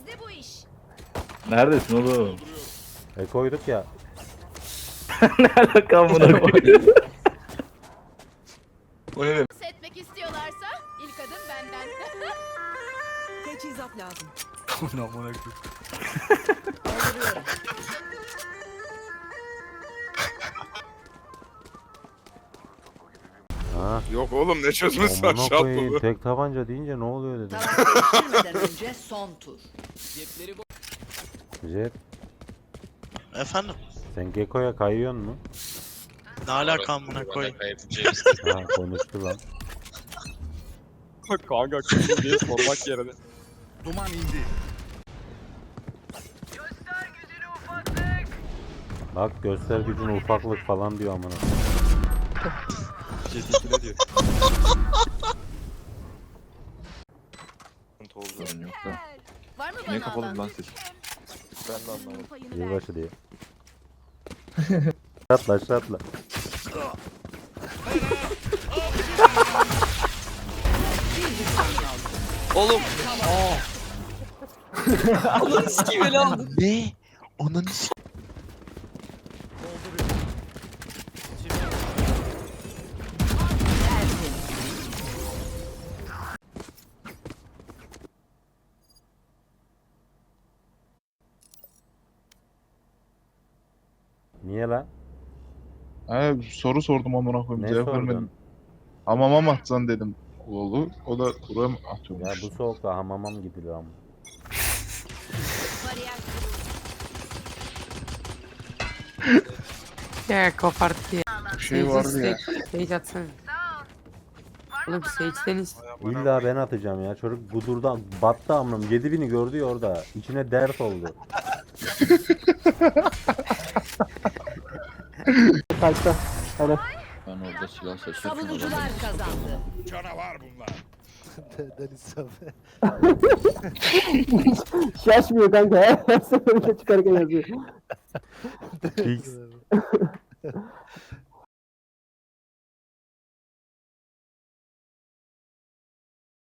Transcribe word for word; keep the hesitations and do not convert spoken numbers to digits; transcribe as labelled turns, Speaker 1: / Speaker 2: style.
Speaker 1: Bizde bu iş.
Speaker 2: Neredesin oğlum?
Speaker 3: E koyduk ya.
Speaker 2: Ne alaka amına koyayım? O ne demek?
Speaker 1: Dans etmek istiyorlarsa ilk adım benden.
Speaker 4: Teçhizat lazım.
Speaker 5: Aman amına koyayım.
Speaker 4: Dolduruyorum.
Speaker 3: Ha.
Speaker 6: Yok oğlum ne çözmesi
Speaker 3: Amına
Speaker 6: aşağı
Speaker 3: koyayım.
Speaker 6: atladı.
Speaker 3: Tek tabanca deyince ne oluyor dedim.
Speaker 4: Taraf değiştirmeden önce son tur.
Speaker 3: Jet,
Speaker 7: Efendim?
Speaker 3: sen Gekko'ya kayıyorsun mu?
Speaker 7: Ne alaka amına koyayım?
Speaker 3: Ha konuştu lan.
Speaker 5: Kanka kızım diye sormak yerine.
Speaker 8: Duman indi.
Speaker 3: Bak göster gücün ufaklık falan diyor amına.
Speaker 5: Jet iki ne diyor?
Speaker 2: Sorun yok da.
Speaker 1: Var mı
Speaker 2: Niye
Speaker 1: bana
Speaker 2: kapalı
Speaker 1: alan?
Speaker 2: lan ses?
Speaker 5: Ben de anlamadım.
Speaker 1: Payını ver.
Speaker 3: Yılbaşı diye. Atla aşağı atla.
Speaker 7: Oğlum. Aa. Ananı sikeyim ele aldım. Ne? Ananı sikeyim.
Speaker 3: Niye lan?
Speaker 6: He soru sordum amına koyayım
Speaker 3: Ne
Speaker 6: cevap
Speaker 3: sordun?
Speaker 6: vermedin. Hamama mı atsan dedim oğlu. O da buraya mı
Speaker 3: Ya
Speaker 6: atıyormuş?
Speaker 3: bu soğukta hamama mı gidilir ama?
Speaker 1: Bariyer
Speaker 9: Ya koparttı ya.
Speaker 6: Bir şey vardı ya.
Speaker 9: Sage atsana. Oğlum Sage'deniz.
Speaker 3: İlla ben atacağım ya. Çocuk gudurdan battı amınım. yedi bini gördü ya orada. İçine dert oldu. Kaçta. Hadi.
Speaker 2: Ben orada silah sesi.
Speaker 4: Savunucular kazandı.
Speaker 8: Canavar bunlar.
Speaker 3: Şaşmıyor kanka ya. Her seferinde çıkarken yazıyor. Fix.